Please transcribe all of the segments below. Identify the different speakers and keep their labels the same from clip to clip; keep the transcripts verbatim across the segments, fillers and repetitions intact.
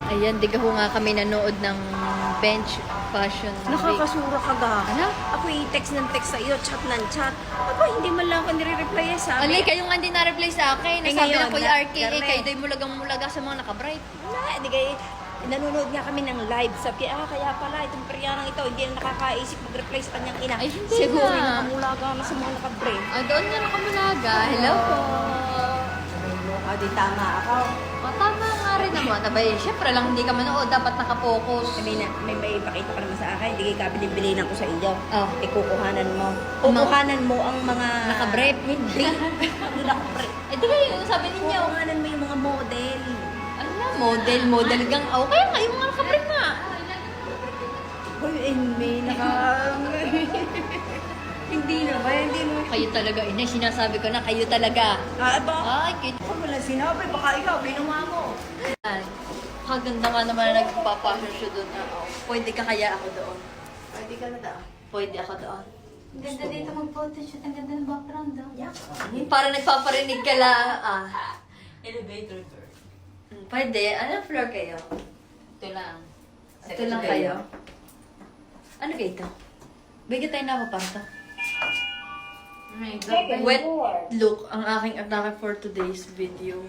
Speaker 1: Ayan, di ho nga kami nanood ng bench fashion week.
Speaker 2: Nakakasura ka ga.
Speaker 1: Ano?
Speaker 2: Ako i-text ng text sa iyo, chat ng chat. Aba, hindi man lang ako nire-reply eh, sabi.
Speaker 1: Alay, kayo nga hindi na-reply sa akin.
Speaker 2: Eh,
Speaker 1: Nasabi
Speaker 2: ngayon,
Speaker 1: na Kuya
Speaker 2: na-
Speaker 1: R K, eh,
Speaker 2: Garne.
Speaker 1: kayo do'y mulagang-mulaga sa mga naka-bright.
Speaker 2: Wala, hindi kayo. Nanonood nga kami ng live. Sabi, ah, kaya pala, itong peryanang ito, hindi na nakakaisip mag-reply sa kanyang ina.
Speaker 1: Ay, hindi
Speaker 2: Siguro,
Speaker 1: na.
Speaker 2: nakamulaga na sa mga naka-break.
Speaker 1: Ah, doon nga nakamulaga. Hello po.
Speaker 2: Ah, di tama ako.
Speaker 1: O, tama nga rin naman. Abay, syempre lang hindi ka manood. Dapat nakapokus.
Speaker 2: May, na, may may ipakita ka naman sa akin, hindi kayo kabilin-bilinan ko sa iyo.
Speaker 1: Oh.
Speaker 2: Ikukuhanan mo.
Speaker 1: Ang mga-
Speaker 2: Kukuhanan mo ang mga...
Speaker 1: Naka-brief?
Speaker 2: Hindi. Hindi naka-brief.
Speaker 1: Eh, di kayo, sabi ninyo.
Speaker 2: Kukuhanan mo yung mga model.
Speaker 1: Ano na, model, model gang. Oh, kaya nga, yung mga naka-brief nga.
Speaker 2: Hoy, eh, may naka... Hindi na ba? Hindi mo...
Speaker 1: Kayo talaga, ina, sinasabi ko na, kayo talaga.
Speaker 2: Ah, ba?
Speaker 1: Ay, cute.
Speaker 2: Ako wala sinabi. Baka ikaw, binuha mo.
Speaker 1: Ay, kaganda nga naman na nagpa-fashion show doon. Ah, oh. Pwede ka kaya ako doon.
Speaker 2: Pwede ka na daw.
Speaker 1: Pwede ako doon.
Speaker 3: Ang ganda dito mag-photoshoot. Ang ganda ng background daw.
Speaker 2: Yak.
Speaker 1: Para nagpaparinig ka lang. Ah.
Speaker 3: Elevator tour.
Speaker 1: Hmm, Pwede. Anong floor kayo?
Speaker 3: Ito lang.
Speaker 1: Ito lang kayo. Ano kayo ito? Bigyan tayo na paparto.
Speaker 3: My God.
Speaker 1: Wet look ang aking atake for today's video.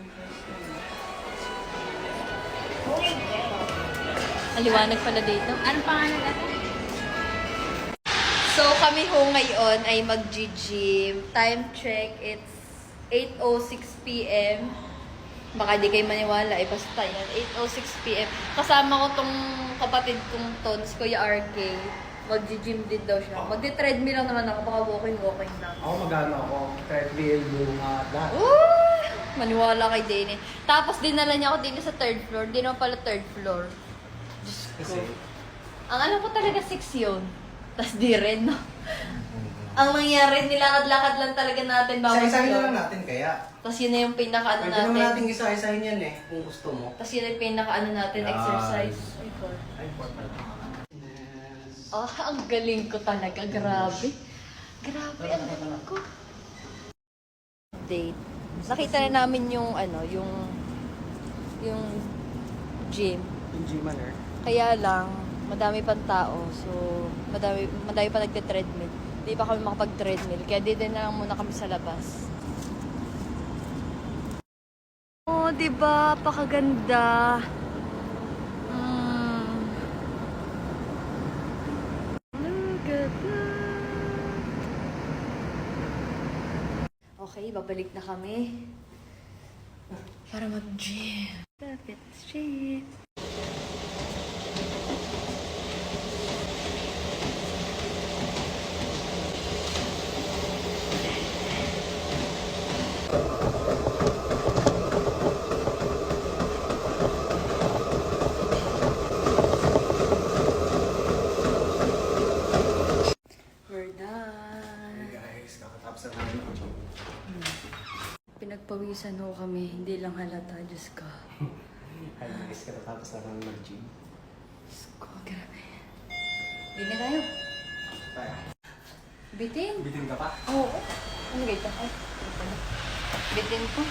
Speaker 1: Aliwanag pala dito.
Speaker 3: Anong pangalan natin?
Speaker 1: So kami ho ngayon ay mag-gym. Time check, it's eight oh six p m Baka di kayo maniwala, eh basta yan. eight oh six p m Kasama ko tong kapatid kong Tons, Kuya R K. Mag-gym din daw siya. Magdi-treadmill lang naman ako, baka walking-walking lang.
Speaker 4: Ako magano ako, treadmill, bunga, lahat.
Speaker 1: Ooh! Maniwala kay Dene. Tapos dinala niya ako din sa third floor. Di naman pala third floor. Diyos ko.
Speaker 4: Kasi,
Speaker 1: Ang alam ko talaga six yun. Tapos di rin, no? Ang nangyari, nilakad-lakad lang talaga natin bawat
Speaker 4: isa-isahin na
Speaker 1: floor.
Speaker 4: lang natin kaya.
Speaker 1: Tapos yun na yung pinaka-ano
Speaker 4: Pwede naman
Speaker 1: natin.
Speaker 4: natin isa-isahin yan eh, kung gusto mo.
Speaker 1: Tapos yun na yung pinaka-ano natin,
Speaker 4: Yes.
Speaker 1: exercise. Ay, God.
Speaker 4: Ay, important.
Speaker 1: Ah, ang galing ko talaga. Grabe. Grabe, ang galing ko. Date. Nakita na namin yung, ano, yung, yung gym.
Speaker 4: Yung gym manner.
Speaker 1: Kaya lang, madami pang tao. So, madami, madami pa nagte-treadmill. Di pa kami makapag-treadmill. Kaya di din na lang muna kami sa labas. Oh, di ba? Pakaganda. Mm. Look at that. Okay, babalik na kami. Para mag-gym. Lapit street. We're done.
Speaker 4: Hey guys, kakatapos na namin ang gym.
Speaker 1: Pinagpawisan ho kami, hindi lang halata, Diyos ko.
Speaker 4: Hi guys, kakatapos na namin mag-gym.
Speaker 1: Diyos ko, grabe. Hindi na tayo.
Speaker 4: Kaya,
Speaker 1: Bitin?
Speaker 4: bitin ka pa?
Speaker 1: Oo. Ano ba ito? Ay, ito pala. Bitin ko.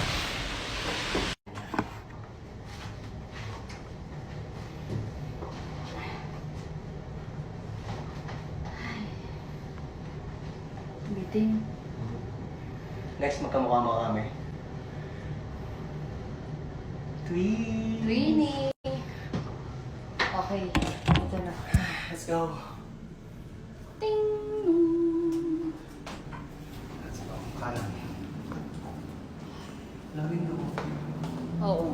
Speaker 1: Bitin.
Speaker 4: Next, magkamukha mo kami. Tweet!
Speaker 1: Twinnie! Okay, ito na.
Speaker 4: Let's go!
Speaker 1: Ting!
Speaker 4: Let's go. Kanan. Lagin mo.
Speaker 1: Oo.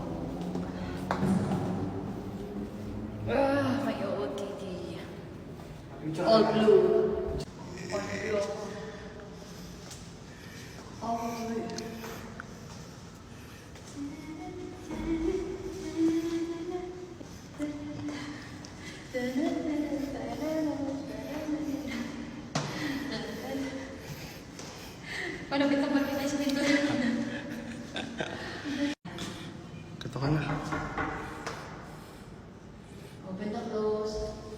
Speaker 1: Ah, may O O T D. All blue. All blue. All blue. Paano kita magkita sa dito?
Speaker 4: Kato ka na.
Speaker 1: Open the close.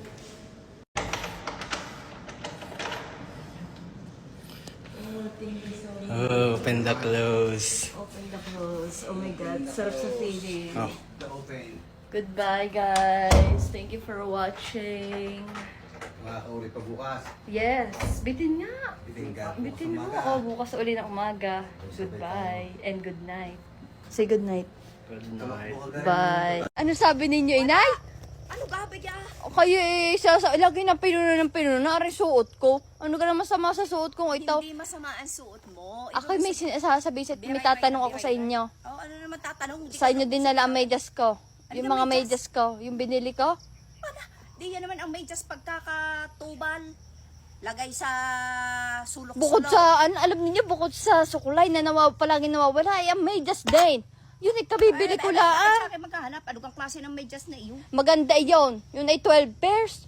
Speaker 1: Oh, thank you so much.
Speaker 4: Oh, open the close.
Speaker 1: Open the close. Oh my God, sarap sa feeling.
Speaker 4: Oh. The open.
Speaker 1: Goodbye, guys. Thank you for watching.
Speaker 4: Makakauli pa bukas.
Speaker 1: Yes, bitin nga.
Speaker 4: Bitin ka.
Speaker 1: Bitin mo. Oo, bukas uli ng umaga. Goodbye and good night. Say good night.
Speaker 4: Good night.
Speaker 1: Bye. Ano sabi ninyo, inay?
Speaker 2: Ano gabi ka?
Speaker 1: O kayo eh, sa, sa, lagi na pinuno ng pinuno na rin suot ko. Ano ka na masama sa suot ko? Ito,
Speaker 2: Hindi masama ang suot mo.
Speaker 1: ako may sinasabi, may tatanong ako sa inyo.
Speaker 2: Oh, ano naman tatanong? Di
Speaker 1: Sa
Speaker 2: ka
Speaker 1: inyo
Speaker 2: naman
Speaker 1: din nala ang medyas ko.
Speaker 2: Ano
Speaker 1: Yung
Speaker 2: yung
Speaker 1: mga
Speaker 2: medyas?
Speaker 1: medyas ko, yung binili ko.
Speaker 2: Wala. Di yan naman ang medyas pagkakatubal. Lagay sa sulok-sulok.
Speaker 1: Bukod sa, ano, alam niyo bukod sa sukulay na nawaw, palagi nawawala, ay ang medyas din. Yun ay kabibili ko
Speaker 2: Ay,
Speaker 1: lang.
Speaker 2: Sa akin maghahanap. Ano kang klase ng medyas na iyon?
Speaker 1: Maganda yun. Yun ay twelve pairs.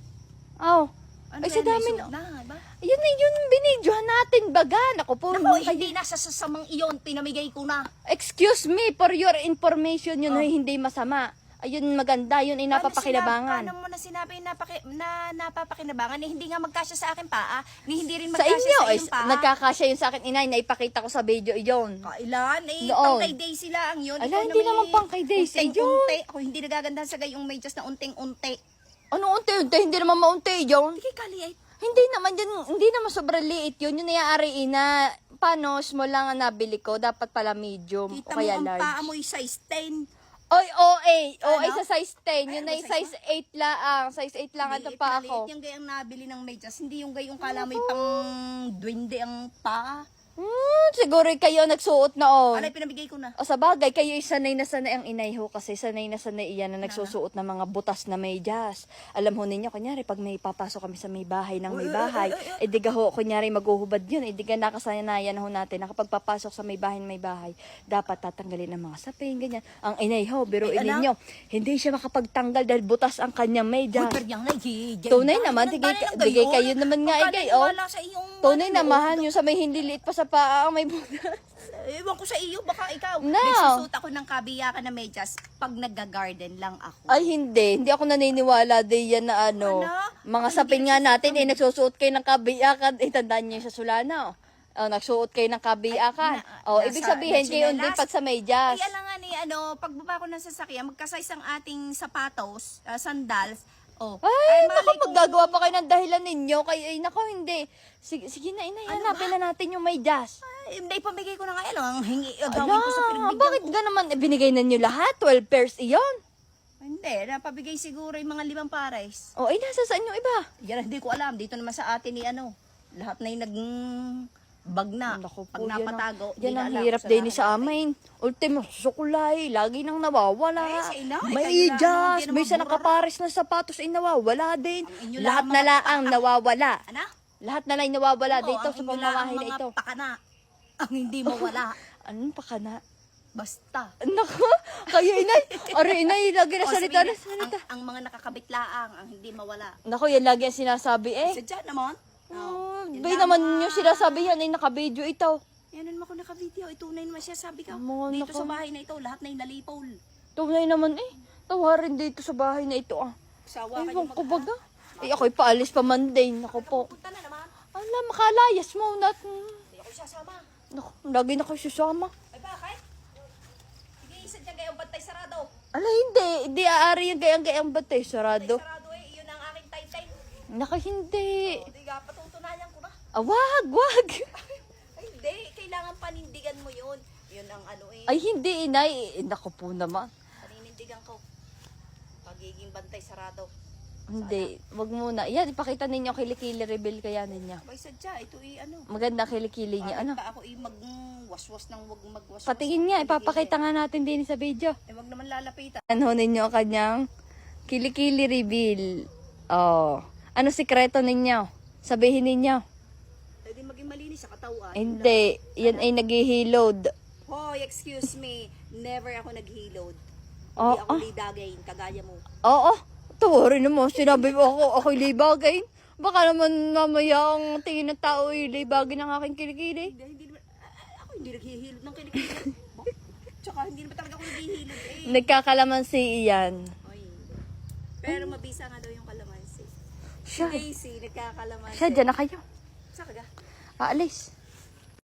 Speaker 1: Oh.
Speaker 2: Ano
Speaker 1: Ay, sa
Speaker 2: yan, may
Speaker 1: dami
Speaker 2: suot
Speaker 1: na.
Speaker 2: na, ba?
Speaker 1: Yun ay yun binidyohan natin, baga. Naku po.
Speaker 2: Naku,
Speaker 1: kayo-
Speaker 2: hindi na sa sasamang iyon. Pinamigay ko na.
Speaker 1: Excuse me, for your information, yun ay hindi masama. Ayun maganda, yun ay napapakinabangan.
Speaker 2: Paano, sinabi, paano mo na sinabi napaki, na napapakinabangan? Eh, hindi nga magkasya sa akin pa, ah. Ni hindi rin
Speaker 1: Sa
Speaker 2: magkasya
Speaker 1: inyo,
Speaker 2: sa
Speaker 1: ay,
Speaker 2: iyong pa.
Speaker 1: nagkakasya yun sa akin, inay, naipakita ko sa video yun.
Speaker 2: Kailan? Eh,
Speaker 1: Noon.
Speaker 2: pang kay Daisy lang yun.
Speaker 1: Ala,
Speaker 2: Ikaw
Speaker 1: hindi
Speaker 2: may
Speaker 1: naman pang kay Daisy yun.
Speaker 2: unting-unti. Ako hindi nagagandahan sa gayong medyas na unting-unti.
Speaker 1: Ano unti-unti? Hindi naman maunti yun.
Speaker 2: Hindi kaliit.
Speaker 1: Hindi naman yun, hindi naman sobrang liit yun. Yun ay na, paano, small lang ang nabili ko. Dapat pala medium o
Speaker 2: Kita mo
Speaker 1: kaya
Speaker 2: ang
Speaker 1: large.
Speaker 2: paa mo size ten.
Speaker 1: Oy, O A. O A
Speaker 2: Ano?
Speaker 1: sa size ten. Yun
Speaker 2: Ay,
Speaker 1: ay
Speaker 2: ano size
Speaker 1: size eight lang. Size eight lang ang
Speaker 2: Liit
Speaker 1: pa
Speaker 2: na
Speaker 1: ako.
Speaker 2: liit yung gayang nabili ng medyas. Hindi yung gayong kala may pang duwende ang paa.
Speaker 1: Hmm, siguro kayo nagsuot noon.
Speaker 2: Alay, pinamigay ko na.
Speaker 1: O sa bagay, kayo sanay na sanay ang inay ho kasi sanay na sanay iyan na nagsusuot ng mga butas na medyas. Alam ho ninyo, kunyari, pag may papasok kami sa may bahay ng may bahay, eh di ka ho, kunyari, maghuhubad yun, eh di ka nakasanayan ho natin na kapag papasok sa may bahay ng may bahay, dapat tatanggalin ang mga sapin, ganyan. Ang inay ho, biruin
Speaker 2: Ay, anak.
Speaker 1: ninyo, hindi siya makapagtanggal dahil butas ang kanyang medyas.
Speaker 2: Uy, pero yung nai-
Speaker 1: Tunay
Speaker 2: Dahil
Speaker 1: naman,
Speaker 2: ng-
Speaker 1: tigay,
Speaker 2: dahil ng
Speaker 1: bigay
Speaker 2: gayon.
Speaker 1: kayo naman nga,
Speaker 2: Baka
Speaker 1: igay, oh.
Speaker 2: naniwala sa iyong
Speaker 1: Tunay
Speaker 2: ano,
Speaker 1: naman, yung sa may hindi liit pa sa paa, ang may butas.
Speaker 2: Ewan ko sa iyo, baka ikaw.
Speaker 1: No.
Speaker 2: Nagsusuot ako ng kabiyakan na medyas pag nagga-garden lang ako.
Speaker 1: Ay, hindi. Hindi ako naniniwala din yan na ano.
Speaker 2: Ano?
Speaker 1: Mga
Speaker 2: Ay,
Speaker 1: sapin
Speaker 2: hindi
Speaker 1: nga
Speaker 2: nagsusuot
Speaker 1: natin, eh, nagsusuot kayo ng kabiyakan. Eh, tandaan niyo yung sa Sulana, oh. Oh, nagsuot kayo ng kabiyakan.
Speaker 2: na-
Speaker 1: Oh,
Speaker 2: nasa-
Speaker 1: ibig sabihin, kayo
Speaker 2: nachinelas.
Speaker 1: din pag sa medyas.
Speaker 2: Ay, alam nga ni, ano, pagbaba ko ng sasakyan, magkasize ang ating sapatos, ah, sandals. Oh.
Speaker 1: Ay,
Speaker 2: malay
Speaker 1: naku,
Speaker 2: ko-
Speaker 1: maggagawa pa kayo ng dahilan ninyo. Kay, ay, naku, hindi. Sige, sige na, inay, hanapin na natin yung medyas.
Speaker 2: Ay, hindi, pamigay ko na nga, ano, ang hingi, uh,
Speaker 1: Ala,
Speaker 2: gawin ko sa pinagbigyan
Speaker 1: bakit
Speaker 2: ko.
Speaker 1: ga naman, eh, binigay na nyo lahat? twelve pairs iyon.
Speaker 2: Hindi, napabigay siguro yung mga limang pares.
Speaker 1: Oh, ay, nasa saan yung iba?
Speaker 2: Yan, hindi ko alam. Dito naman sa atin ni ano, lahat na yung nag bag na.
Speaker 1: Naku
Speaker 2: Pag
Speaker 1: po, yan ang-
Speaker 2: napatago, di
Speaker 1: yan
Speaker 2: na
Speaker 1: ang
Speaker 2: alam
Speaker 1: hirap
Speaker 2: kung
Speaker 1: din
Speaker 2: saan
Speaker 1: sa
Speaker 2: nakalagay.
Speaker 1: amin. Ultimo, sukulay, lagi nang nawawala.
Speaker 2: Ay, sa ina, ay,
Speaker 1: May
Speaker 2: kayo lang,
Speaker 1: idyas,
Speaker 2: hindi
Speaker 1: may
Speaker 2: naman
Speaker 1: isa
Speaker 2: mura.
Speaker 1: nakapares na sapatos ay nawawala din.
Speaker 2: Ang inyo
Speaker 1: Lahat
Speaker 2: lang
Speaker 1: na
Speaker 2: mga
Speaker 1: lang ang nawawala.
Speaker 2: Ano?
Speaker 1: Lahat na lang nawawala
Speaker 2: Oo,
Speaker 1: dito
Speaker 2: ang
Speaker 1: sa
Speaker 2: inyo lang
Speaker 1: pamamahay
Speaker 2: ang
Speaker 1: na
Speaker 2: mga
Speaker 1: ito.
Speaker 2: pakana. Ang hindi mawala.
Speaker 1: Anong pa ka na?
Speaker 2: Basta.
Speaker 1: Naku, kayo inay. Ari inay, lagi na
Speaker 2: O,
Speaker 1: salita na
Speaker 2: sabihin,
Speaker 1: salita.
Speaker 2: ang, ang mga nakakabit laang, ang hindi mawala.
Speaker 1: Naku, yan lagi ang sinasabi eh.
Speaker 2: Sadya naman.
Speaker 1: Oh,
Speaker 2: yan
Speaker 1: bay
Speaker 2: lang
Speaker 1: naman
Speaker 2: mga-
Speaker 1: yung sinasabi yan ay nakabidyo ito.
Speaker 2: Yan naman ako naka-video. Itunay naman siya, sabi ka.
Speaker 1: Mga
Speaker 2: Dito
Speaker 1: naka-
Speaker 2: sa bahay na ito, lahat na yung nalipol.
Speaker 1: Tunay naman eh. Tawarin dito sa bahay na ito ah.
Speaker 2: Sawa kayo
Speaker 1: Ewan ko baga. Eh ako'y paalis pa man din. Naku po.
Speaker 2: Punta na naman.
Speaker 1: Ala, makalayas mo na.
Speaker 2: Hindi ako sasama.
Speaker 1: Naku, lagi na kayo susama.
Speaker 2: Ay bakit? Sige, isa dyan gayong bantay sarado.
Speaker 1: Ala, hindi. Hindi aari yung gayang-gayang batay. Sarado.
Speaker 2: Sarado eh, iyon ang aking tay-tay.
Speaker 1: Naku, hindi.
Speaker 2: O, di ka, patutunayan ko na.
Speaker 1: Ah, wag, wag.
Speaker 2: Ay, hindi. Kailangan panindigan mo yun. Yun ang ano eh.
Speaker 1: Ay, hindi, inay. Eh, naku po naman.
Speaker 2: Paninindigan ko. Pagiging bantay sarado.
Speaker 1: Hindi, wag muna. Yan, ipakita ninyo kilikili reveal kaya ninyo.
Speaker 2: Abay, sadya. Ito eh, ano.
Speaker 1: Maganda kilikili niya.
Speaker 2: Bakit
Speaker 1: Ano?
Speaker 2: pa ako eh, mag-waswas ng wag magwaswas.
Speaker 1: Patingin nga, ipapakita nga natin din sa video.
Speaker 2: Eh, wag naman lalapitan.
Speaker 1: Ano ninyo ang kanyang kilikili reveal. Oh. Ano sikreto ninyo? Sabihin ninyo.
Speaker 2: Pwede maging malinis sa katawan.
Speaker 1: Hindi, yan ay naghihilod.
Speaker 2: Hoy, excuse me. Never ako naghilod.
Speaker 1: Oh,
Speaker 2: Hindi ako
Speaker 1: ah.
Speaker 2: lidagayin, kagaya mo.
Speaker 1: Oo, tawarin naman. Sinabi mo ako, ako'y libagay. Baka naman mamaya ang tingin ng tao ay libagay ng aking kilikili.
Speaker 2: Hindi, hindi naman, ah, ako hindi naghihilod ng kinikili. Tsaka hindi naman talaga ako naghihilod eh.
Speaker 1: Nagkakalamansi iyan.
Speaker 2: Oy. Pero mabisa nga daw yung kalamansi.
Speaker 1: Siya,
Speaker 2: Daisy, nagkakalamansi.
Speaker 1: siya, dyan na kayo.
Speaker 2: Saan ka ga?
Speaker 1: Aalis.